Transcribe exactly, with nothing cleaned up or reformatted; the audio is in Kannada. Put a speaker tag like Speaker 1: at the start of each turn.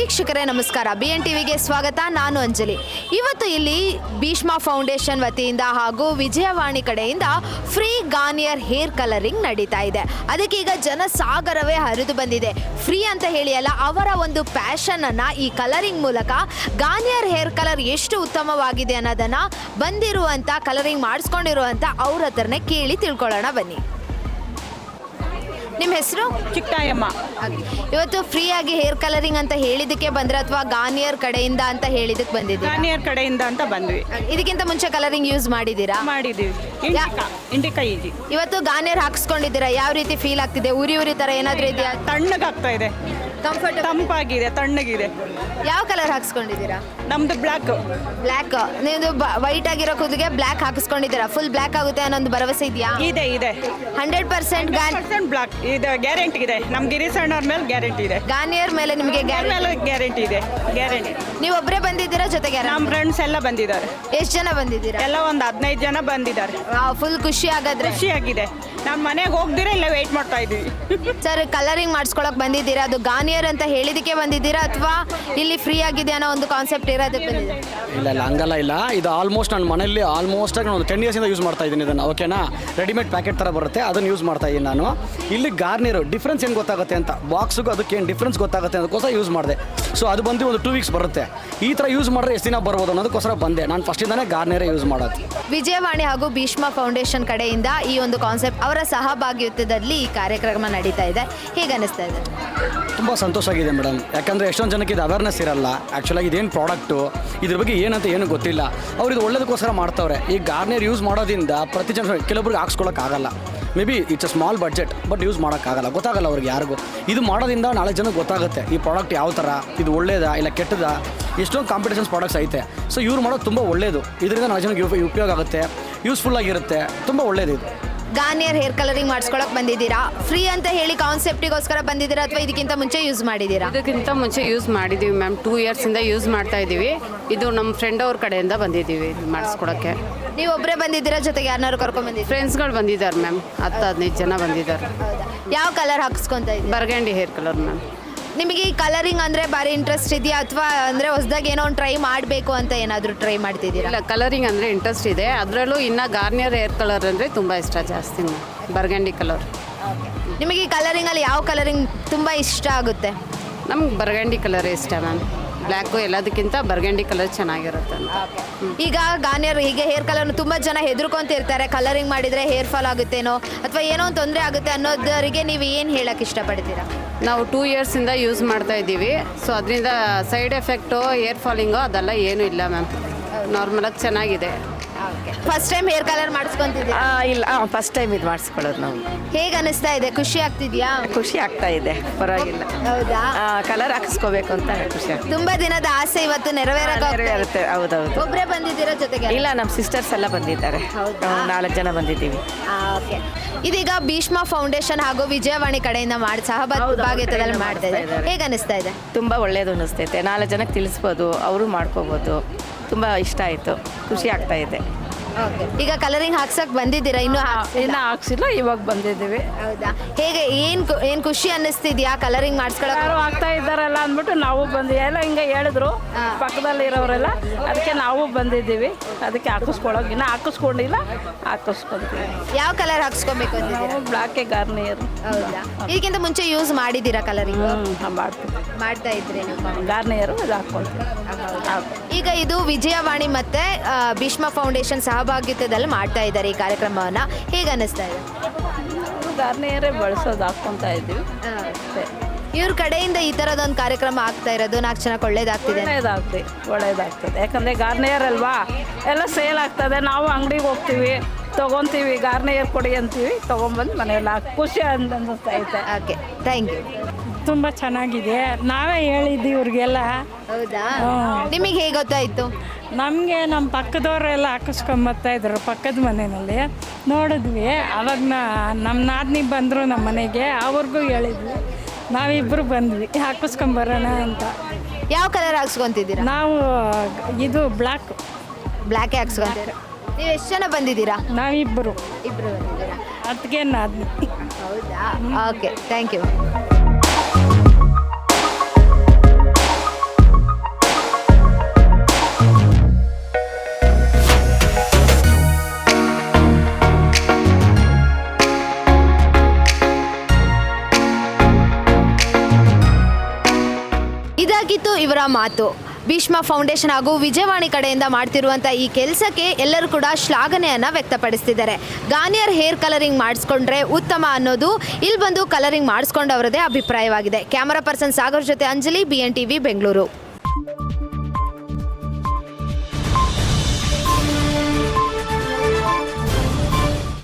Speaker 1: ವೀಕ್ಷಕರೇ ನಮಸ್ಕಾರ. ಬಿ ಎನ್ ಟಿವಿಗೆ ಸ್ವಾಗತ. ನಾನು ಅಂಜಲಿ. ಇವತ್ತು ಇಲ್ಲಿ ಭೀಷ್ಮ ಫೌಂಡೇಶನ್ ವತಿಯಿಂದ ಹಾಗೂ ವಿಜಯವಾಣಿ ಕಡೆಯಿಂದ ಫ್ರೀ ಗಾರ್ನಿಯರ್ ಹೇರ್ ಕಲರಿಂಗ್ ನಡೀತಾ ಇದೆ. ಅದಕ್ಕೆ ಈಗ ಜನಸಾಗರವೇ ಹರಿದು ಬಂದಿದೆ. ಫ್ರೀ ಅಂತ ಹೇಳಿ ಅಲ್ಲ, ಅವರ ಒಂದು ಪ್ಯಾಷನ್ ಅನ್ನ ಈ ಕಲರಿಂಗ್ ಮೂಲಕ ಗಾರ್ನಿಯರ್ ಹೇರ್ ಕಲರ್ ಎಷ್ಟು ಉತ್ತಮವಾಗಿದೆ ಅನ್ನೋದನ್ನ ಬಂದಿರುವಂತ ಕಲರಿಂಗ್ ಮಾಡಿಸ್ಕೊಂಡಿರುವಂತ ಅವ್ರ ಹತ್ರನೇ ಕೇಳಿ ತಿಳ್ಕೊಳ್ಳೋಣ ಬನ್ನಿ. ನಿಮ್ಮ ಹೆಸರು?
Speaker 2: ಚಿಕ್ಕಾಯಮ್ಮ.
Speaker 1: ಇವತ್ತು ಫ್ರೀ ಆಗಿ ಹೇರ್ ಕಲರಿಂಗ್ ಅಂತ ಹೇಳಿದಕ್ಕೆ ಬಂದ್ರೆ ಅಥವಾ ಗಾರ್ನಿಯರ್ ಕಡೆಯಿಂದ ಅಂತ ಹೇಳಿದಕ್ಕೆ ಬಂದಿದ್ದೀರಾ?
Speaker 2: ಗಾರ್ನಿಯರ್ ಕಡೆಯಿಂದ ಅಂತ ಬಂದ್ವಿ.
Speaker 1: ಇದಕ್ಕಿಂತ ಮುಂಚೆ ಕಲರಿಂಗ್ ಯೂಸ್ ಮಾಡಿದ್ದೀರಾ?
Speaker 2: ಮಾಡಿದೀವಿ. ಇಂಡಿಕಾ ಇಂಡಿಕಾ ಈಜಿ.
Speaker 1: ಇವತ್ತು ಗಾರ್ನಿಯರ್ ಹಾಕ್ಸ್ಕೊಂಡಿದ್ದೀರಾ, ಯಾವ ರೀತಿ ಫೀಲ್ ಆಗ್ತಿದೆ? ಉರಿ ಉರಿ ತರ ಏನಾದ್ರೂ ಇದೆಯಾ?
Speaker 2: ತಣ್ಣಗಾಗ್ತಾ ಇದೆ,
Speaker 1: ಕಂಫರ್ಟ್
Speaker 2: ತಂಪಾಗಿದೆ, ತಣ್ಣಗಿದೆ.
Speaker 1: ಯಾವ ಕಲರ್ ಹಾಕ್ಸ್ಕೊಂಡಿದ್ದೀರಾ?
Speaker 2: ನಮ್ದು ಬ್ಲ್ಯಾಕ್.
Speaker 1: ಬ್ಲ್ಯಾಕ್. ನೀವು ವೈಟ್ ಆಗಿರೋ ಕೂದಲಿಗೆ ಬ್ಲ್ಯಾಕ್ ಹಾಕಿಸ್ಕೊಂಡಿದ್ದೀರಾ. ಫುಲ್ ಬ್ಲ್ಯಾಕ್ ಆಗುತ್ತೆ ಅನ್ನೋ ಒಂದು ಭರವಸೆ ಇದೆಯಾ?
Speaker 2: ಇದೆ ಇದೆ
Speaker 1: ಹಂಡ್ರೆಡ್ ಪರ್ಸೆಂಟ್
Speaker 2: ಪರ್ಸೆಂಟ್ ಬ್ಲ್ಯಾಕ್ ಇದೆ. ಗ್ಯಾರಂಟಿ ಇದೆ. ನಮ್ ಗಿರಿಸಣ್ಣವ್ರ ಮೇಲೆ ಗ್ಯಾರಂಟಿ ಇದೆ.
Speaker 1: ಗಾರ್ನಿಯರ್ ಮೇಲೆ ನಿಮಗೆ
Speaker 2: ಮೇಲೆ ಗ್ಯಾರಂಟಿ ಇದೆ. ಗ್ಯಾರಂಟಿ.
Speaker 1: ನೀವು ಒಬ್ಬರೇ ಬಂದಿದ್ದೀರಾ ಜೊತೆಗೆ?
Speaker 2: ನಮ್ಮ ಫ್ರೆಂಡ್ಸ್ ಎಲ್ಲ ಬಂದಿದ್ದಾರೆ.
Speaker 1: ಎಷ್ಟು ಜನ ಬಂದಿದ್ದೀರಾ?
Speaker 2: ಎಲ್ಲ ಒಂದು ಹದಿನೈದು ಜನ ಬಂದಿದ್ದಾರೆ.
Speaker 1: ಫುಲ್ ಖುಷಿ ಆಗಾದ್ರೆ?
Speaker 2: ಖುಷಿಯಾಗಿದೆ. ನಮ್ಮ ಮನೆಗೆ ಹೋಗ್ದಿರ ಇಲ್ಲ ವೇಟ್ ಮಾಡ್ತಾ ಇದೀವಿ.
Speaker 1: ಸರ್, ಕಲರಿಂಗ್ ಮಾಡಿಸ್ಕೊಳಕ್ ಬಂದಿದ್ದೀರಾ? ಅದು ಗಾರ್ನಿಯರ್ ಅಂತ ಹೇಳಿದಕ್ಕೆ ಬಂದಿದ್ದೀರಾ ಅಥವಾ ಇಲ್ಲಿ ಫ್ರೀ ಆಗಿದೆ ಅನ್ನೋ ಒಂದು ಕಾನ್ಸೆಪ್ಟ್ ಇರೋದಕ್ಕೆ ಬಂದಿದ್ದೀರಾ?
Speaker 3: ಇಲ್ಲ ಇಲ್ಲ ಹಂಗಲ್ಲ ಇಲ್ಲ. ಇದು ಆಲ್ಮೋಸ್ಟ್ ನನ್ನ ಮನೆಯಲ್ಲಿ ಆಲ್ಮೋಸ್ಟ್ ಆಗಿ ಒಂದು ಟೆನ್ ಇಯರ್ಸಿಂದ ಯೂಸ್ ಮಾಡ್ತಾ ಇದ್ದೀನಿ ಇದನ್ನು. ಓಕೆನಾ? ರೆಡಿಮೇಡ್ ಪ್ಯಾಕೆಟ್ ಥರ ಬರುತ್ತೆ, ಅದನ್ನು ಯೂಸ್ ಮಾಡ್ತಾ ಇದ್ದೀನಿ ನಾನು. ಇಲ್ಲಿ ಗಾರ್ನಿಯರ್ ಡಿಫ್ರೆನ್ಸ್ ಏನು ಗೊತ್ತಾಗುತ್ತೆ ಅಂತ, ಬಾಕ್ಸ್ಗೂ ಅದಕ್ಕೆ ಏನು ಡಿಫ್ರೆನ್ಸ್ ಗೊತ್ತಾಗುತ್ತೆ ಅದಕ್ಕೋಸ್ಕರ ಯೂಸ್ ಮಾಡಿದೆ. ಸೊ ಅದು ಬಂದು ಒಂದು ಟೂ ವೀಕ್ಸ್ ಬರುತ್ತೆ. ಈ ಥರ ಯೂಸ್ ಮಾಡಿದ್ರೆ ಎಷ್ಟು ದಿನ ಬರ್ಬೋದು ಅನ್ನೋದಕ್ಕೋಸ್ಕರ ಬಂದೆ. ನಾನು ಫಸ್ಟಿಂದಾನೇ ಗಾರ್ನಿಯರೇ ಯೂಸ್ ಮಾಡೋದು.
Speaker 1: ವಿಜಯವಾಣಿ ಹಾಗೂ ಭೀಷ್ಮ ಫೌಂಡೇಶನ್ ಕಡೆಯಿಂದ ಈ ಒಂದು ಕಾನ್ಸೆಪ್ಟ್, ಅವರ ಸಹಭಾಗಿತ್ವದಲ್ಲಿ ಈ ಕಾರ್ಯಕ್ರಮ ನಡೀತಾ ಇದೆ. ಹೇಗೆ ಅನಿಸ್ತಾ ಇದೆ?
Speaker 3: ತುಂಬ ಸಂತೋಷ ಆಗಿದೆ ಮೇಡಮ್. ಯಾಕಂದರೆ ಎಷ್ಟೊಂದು ಜನಕ್ಕೆ ಇದು ಅವೇರ್ನೆಸ್ ಇರಲ್ಲ. ಆ್ಯಕ್ಚುಲಾಗಿ ಇದೇನು ಪ್ರಾಡಕ್ಟು, ಇದ್ರ ಬಗ್ಗೆ ಏನಂತ ಏನೂ ಗೊತ್ತಿಲ್ಲ. ಅವ್ರು ಇದು ಒಳ್ಳೇದಕ್ಕೋಸ್ಕರ ಮಾಡ್ತಾವ್ರೆ. ಈ ಗಾರ್ನಿಯರ್ ಯೂಸ್ ಮಾಡೋದ್ರಿಂದ ಪ್ರತಿ ಜನ ಕೆಲವೊಬ್ರಿಗೆ ಹಾಕ್ಸ್ಕೊಳಕ್ಕಾಗಲ್ಲ. Maybe it's a small budget, but use ಮಾಡೋಕ್ಕಾಗಲ್ಲ, ಗೊತ್ತಾಗಲ್ಲ ಅವ್ರಿಗೆ ಯಾರಿಗೂ. ಇದು ಮಾಡೋದ್ರಿಂದ ನಾಳೆ ಜನಕ್ಕೆ ಗೊತ್ತಾಗುತ್ತೆ ಈ ಪ್ರಾಡಕ್ಟ್ ಯಾವ ಥರ, ಇದು ಒಳ್ಳೇದಾ ಇಲ್ಲ ಕೆಟ್ಟದಾ. ಎಷ್ಟೊಂದು ಕಾಂಪಿಟೇಷನ್ಸ್ ಪ್ರಾಡಕ್ಟ್ಸ್ ಐತೆ. ಸೊ ಇವ್ರು ಮಾಡೋದು ತುಂಬ ಒಳ್ಳೆಯದು. ಇದರಿಂದ ನಾಳೆ ಜನಕ್ಕೆ ಉಪಯೋಗ ಆಗುತ್ತೆ, ಯೂಸ್ಫುಲ್ ಆಗಿರುತ್ತೆ, ತುಂಬ ಒಳ್ಳೇದು ಇದು.
Speaker 1: ಗಾರ್ನಿಯರ್ ಹೇರ್ ಕಲರಿಂಗ್ ಮಾಡಿಸ್ಕೊಳಕ್ ಬಂದಿದ್ದೀರಾ? ಫ್ರೀ ಅಂತ ಹೇಳಿ ಕಾನ್ಸೆಪ್ಟಿಗೋಸ್ಕರ ಬಂದಿದ್ದೀರಾ ಅಥವಾ ಇದಕ್ಕಿಂತ ಮುಂಚೆ ಯೂಸ್ ಮಾಡಿದ್ದೀರಾ?
Speaker 4: ಇದಕ್ಕಿಂತ ಮುಂಚೆ ಯೂಸ್ ಮಾಡಿದ್ದೀವಿ ಮ್ಯಾಮ್. ಟೂ ಇಯರ್ಸಿಂದ ಯೂಸ್ ಮಾಡ್ತಾ ಇದ್ದೀವಿ. ಇದು ನಮ್ಮ ಫ್ರೆಂಡ್ ಅವ್ರ ಕಡೆಯಿಂದ ಬಂದಿದ್ದೀವಿ ಮಾಡಿಸ್ಕೊಳಕ್ಕೆ.
Speaker 1: ನೀವು ಒಬ್ಬರೇ ಬಂದಿದ್ದೀರಾ ಜೊತೆಗೆ ಯಾರನ್ನಾರು ಕರ್ಕೊಂಡು ಬಂದಿದ್ದೀರಾ?
Speaker 4: ಫ್ರೆಂಡ್ಸ್ಗಳು ಬಂದಿದ್ದಾರೆ ಮ್ಯಾಮ್. ಹತ್ತು ಹದಿನೈದು ಜನ ಬಂದಿದ್ದಾರೆ.
Speaker 1: ಯಾವ ಕಲರ್ ಹಾಕಿಸ್ಕೊಂತ ಇದ್ದೀರಾ?
Speaker 4: Burgundy hair colour ma'am.
Speaker 1: ನಿಮಗೆ ಈ ಕಲರಿಂಗ್ ಅಂದರೆ ಭಾರಿ ಇಂಟ್ರೆಸ್ಟ್ ಇದೆಯಾ ಅಥವಾ ಅಂದರೆ ಹೊಸದಾಗಿ ಏನೋ ಒಂದು ಟ್ರೈ ಮಾಡಬೇಕು ಅಂತ ಏನಾದರೂ ಟ್ರೈ ಮಾಡ್ತಿದ್ದೀರಾ?
Speaker 4: ಇಲ್ಲ, ಕಲರಿಂಗ್ ಅಂದರೆ ಇಂಟ್ರೆಸ್ಟ್ ಇದೆ. ಅದರಲ್ಲೂ ಇನ್ನು ಗಾರ್ನಿಯರ್ ಹೇರ್ ಕಲರ್ ಅಂದರೆ ತುಂಬ ಇಷ್ಟ ಜಾಸ್ತಿ ಮ್ಯಾಮ್. ಬರ್ಗಂಡಿ ಕಲರ್.
Speaker 1: ನಿಮಗೆ ಈ ಕಲರಿಂಗಲ್ಲಿ ಯಾವ ಕಲರಿಂಗ್ ತುಂಬ ಇಷ್ಟ ಆಗುತ್ತೆ?
Speaker 4: ನಮ್ಗೆ ಬರ್ಗಂಡಿ ಕಲರೇ ಇಷ್ಟ ಮ್ಯಾಮ್. ಬ್ಲ್ಯಾಕು ಎಲ್ಲದಕ್ಕಿಂತ ಬರ್ಗಂಡಿ ಕಲರ್ ಚೆನ್ನಾಗಿರುತ್ತೆ ಅಂತ.
Speaker 1: ಈಗ ಗಾರ್ನಿಯರ್ ಹೀಗೆ ಹೇರ್ ಕಲರ್ ತುಂಬ ಜನ ಹೆದರ್ಕೊಂತಿರ್ತಾರೆ, ಕಲರಿಂಗ್ ಮಾಡಿದರೆ ಹೇರ್ ಫಾಲ್ ಆಗುತ್ತೇನೋ ಅಥವಾ ಏನೋ ಒಂದು ತೊಂದರೆ ಆಗುತ್ತೆ ಅನ್ನೋದರಿಗೆ ನೀವು ಏನು ಹೇಳಕ್ಕೆ ಇಷ್ಟಪಡ್ತೀರಾ?
Speaker 4: ನಾವು ಟೂ ಇಯರ್ಸಿಂದ ಯೂಸ್ ಮಾಡ್ತಾ ಇದ್ದೀವಿ. ಸೊ ಅದರಿಂದ ಸೈಡ್ ಎಫೆಕ್ಟು, ಹೇರ್ ಫಾಲಿಂಗು ಅದೆಲ್ಲ ಏನೂ ಇಲ್ಲ ಮ್ಯಾಮ್. ನಾರ್ಮಲಾಗಿ ಚೆನ್ನಾಗಿದೆ.
Speaker 1: ಫಸ್ಟ್ ಟೈಮ್ ಹೇರ್ ಕಲರ್ ಮಾಡಿಸ್ಕೊಂತಿದ್ದೀರಾ?
Speaker 5: ಇಲ್ಲ, ಫಸ್ಟ್ ಟೈಮ್ ಇದು ಮಾಡಿಸ್ಕೊಳ್ಳೋದು ನಾವು.
Speaker 1: ಹೇಗೆ ಅನಿಸ್ತಾ ಇದೆ? ಖುಷಿ ಆಗ್ತಿದ್ಯಾ?
Speaker 5: ಖುಷಿ ಆಗ್ತಾ ಇದೆ, ಪರವಾಗಿಲ್ಲ.
Speaker 1: ಹೌದಾ?
Speaker 5: ಕಲರ್ ಹಾಕಿಸ್ಕೋಬೇಕು ಅಂತ ಖುಷಿ ಆಗ್ತದೆ.
Speaker 1: ತುಂಬಾ ದಿನದ ಆಸೆ ಇವತ್ತು ನೆರವೇರಕ್ಕೆ
Speaker 5: ನೆರವೇರುತ್ತೆ. ಹೌದೌದು.
Speaker 1: ಒಬ್ಬರೇ ಬಂದಿದ್ದೀರಾ ಜೊತೆಗೆ?
Speaker 5: ಇಲ್ಲ, ನಮ್ಮ ಸಿಸ್ಟರ್ಸ್ ಎಲ್ಲ ಬಂದಿದ್ದಾರೆ. ನಾಲ್ಕು ಜನ ಬಂದಿದ್ದೀವಿ.
Speaker 1: ಓಕೆ. ಇದೀಗ ಭೀಷ್ಮ ಫೌಂಡೇಶನ್ ಹಾಗೂ ವಿಜಯವಾಣಿ ಕಡೆಯಿಂದ ಮಾಡಿ ಸಹಭಾಗಿತ್ವದಲ್ಲಿ ಮಾಡ್ತಾ ಇದ್ದಾರೆ. ಹೇಗೆ ಅನಿಸ್ತಾ ಇದೆ?
Speaker 5: ತುಂಬ ಒಳ್ಳೇದು ಅನಿಸ್ತೈತೆ. ನಾಲ್ಕು ಜನಕ್ಕೆ ತಿಳಿಸ್ಬೋದು, ಅವರು ಮಾಡ್ಕೋಬೋದು. ತುಂಬ ಇಷ್ಟ ಆಯಿತು, ಖುಷಿ ಆಗ್ತಾ ಇದೆ.
Speaker 1: ಈಗ ಕಲರಿಂಗ್ ಹಾಕ್ಸಕ್ ಬಂದಿದ್ದೀರಾ? ಇನ್ನೂ
Speaker 6: ಇನ್ನು ಹಾಕ್ಸಿಲ್ಲ, ಇವಾಗ ಬಂದಿದ್ದೀವಿ.
Speaker 1: ಹೌದಾ? ಹೇಗೆ ಏನ್ ಏನ್ ಖುಷಿ ಅನ್ನಿಸ್ತಿದ್ಯಾ ಕಲರಿಂಗ್ ಮಾಡಿಸ್ಕೊಳಕ್?
Speaker 6: ಯಾರು ಆಗ್ತಾ ಇದ್ದಾರಲ್ಲ ಅಂದ್ಬಿಟ್ಟು ನಾವು ಬಂದು ಎಲ್ಲ ಹಿಂಗೆ ಹೇಳಿದ್ರು ಪಕ್ಕದಲ್ಲಿ ಇರೋರೆಲ್ಲ, ಅದಕ್ಕೆ ನಾವು ಬಂದಿದ್ದೀವಿ. ಅದಕ್ಕೆ ಹಾಕಿಸ್ಕೊಳಕ್ ಇನ್ನು ಹಾಕಿಸ್ಕೊಂಡಿಲ್ಲ, ಹಾಕಿಸ್ಕೊಂತೀವಿ.
Speaker 1: ಯಾವ ಕಲರ್ ಹಾಕ್ಸ್ಕೊಬೇಕು ಅಂತಿದ್ದೀರಾ?
Speaker 6: ಬ್ಲಾಕೆ ಗಾರ್ನಿಯರ್.
Speaker 1: ಹೌದಾ? ಇದಕ್ಕಿಂತ ಮುಂಚೆ ಯೂಸ್ ಮಾಡಿದ್ದೀರಾ ಕಲರಿಂಗ್?
Speaker 6: ಮಾಡ್ತೀವಿ,
Speaker 1: ಮಾಡ್ತಾ ಇದ್ರಿ
Speaker 6: ಗಾರ್ನಿಯರು ಇದು ಹಾಕ್ಕೊಂತೀವಿ.
Speaker 1: ಈಗ ಇದು ವಿಜಯವಾಣಿ ಮತ್ತೆ ಭೀಷ್ಮ ಫೌಂಡೇಶನ್ ಸಹಭಾಗಿತ್ವದಲ್ಲಿ ಮಾಡ್ತಾ ಇದ್ದಾರೆ ಈ ಕಾರ್ಯಕ್ರಮವನ್ನ. ಹೇಗೆ ಅನ್ನಿಸ್ತಾ ಇದೆ?
Speaker 6: ಗಾರ್ನಿಯರೇ ಬಳಸೋದು, ಹಾಕ್ಕೊಂತಾ ಇದ್ದೀವಿ.
Speaker 1: ಇವ್ರ ಕಡೆಯಿಂದ ಈ ಥರದೊಂದು ಕಾರ್ಯಕ್ರಮ ಆಗ್ತಾ ಇರೋದು ನಾಲ್ಕು ಜನಕ್ಕೆ ಒಳ್ಳೇದಾಗ್ತಿದೆ.
Speaker 6: ಒಳ್ಳೇದಾಗ್ತದೆ, ಒಳ್ಳೇದಾಗ್ತದೆ. ಯಾಕಂದರೆ ಗಾರ್ನಿಯರ್ ಅಲ್ವಾ, ಎಲ್ಲ ಸೇಲ್ ಆಗ್ತದೆ. ನಾವು ಅಂಗಡಿಗೆ ಹೋಗ್ತೀವಿ, ತೊಗೊತೀವಿ, ಗಾರ್ನಿಯರ್ ಕೊಡಿ ಅಂತೀವಿ, ತೊಗೊಂಬಂದು ಮನೆಯಲ್ಲ ಖುಷಿ ಅಂತ ಅನ್ನಿಸ್ತೈತೆ.
Speaker 1: Okay, thank you.
Speaker 6: ತುಂಬ ಚೆನ್ನಾಗಿದೆ. ನಾವೇ ಹೇಳಿದ್ವಿ ಇವ್ರಿಗೆಲ್ಲ.
Speaker 1: ಹೌದಾ? ನಿಮಗೆ ಹೇಗೆ ಗೊತ್ತಾಯಿತು?
Speaker 6: ನಮಗೆ ನಮ್ಮ ಪಕ್ಕದವರೆಲ್ಲ ಹಾಕಿಸ್ಕೊಂಬರ್ತಾಯಿದ್ರು ಪಕ್ಕದ ಮನೆಯಲ್ಲಿ ನೋಡಿದ್ವಿ. ಅವಾಗ ನಮ್ಮ ನಾದಿನಿ ಬಂದರು ನಮ್ಮ ಮನೆಗೆ, ಅವ್ರಿಗೂ ಹೇಳಿದ್ವಿ. ನಾವಿಬ್ಬರು ಬಂದ್ವಿ ಹಾಕಿಸ್ಕೊಂಬರೋಣ ಅಂತ.
Speaker 1: ಯಾವ ಕಲರ್ ಹಾಕ್ಸ್ಕೊತಿದ್ದೀರಾ?
Speaker 6: ನಾವು ಇದು ಬ್ಲ್ಯಾಕ್.
Speaker 1: ಬ್ಲ್ಯಾಕೇ ಹಾಕ್ಸ್ಕೊಂತೀರಾ? ನೀವು ಎಷ್ಟು ಜನ ಬಂದಿದ್ದೀರಾ?
Speaker 6: ನಾವಿಬ್ಬರು.
Speaker 1: ಇಬ್ಬರು ಬಂದಿದ್ದೀರಾ?
Speaker 6: ಅದಕ್ಕೆ ನಾದಿನಿ.
Speaker 1: ಹೌದಾ? Okay, thank you. ಇದಾಗಿತ್ತು ಇವರ ಮಾತು. ಭೀಷ್ಮ ಫೌಂಡೇಶನ್ ಹಾಗೂ ವಿಜಯವಾಣಿ ಕಡೆಯಿಂದ ಮಾಡ್ತಿರುವಂಥ ಈ ಕೆಲಸಕ್ಕೆ ಎಲ್ಲರೂ ಕೂಡ ಶ್ಲಾಘನೆಯನ್ನು ವ್ಯಕ್ತಪಡಿಸ್ತಿದ್ದಾರೆ. ಗಾರ್ನಿಯರ್ ಹೇರ್ ಕಲರಿಂಗ್ ಮಾಡಿಸ್ಕೊಂಡ್ರೆ ಉತ್ತಮ ಅನ್ನೋದು ಇಲ್ಲಿ ಬಂದು ಕಲರಿಂಗ್ ಮಾಡಿಸ್ಕೊಂಡವರದೇ ಅಭಿಪ್ರಾಯವಾಗಿದೆ. ಕ್ಯಾಮರಾ ಪರ್ಸನ್ ಸಾಗರ್ ಜೊತೆ Anjali, B N T V Bengaluru.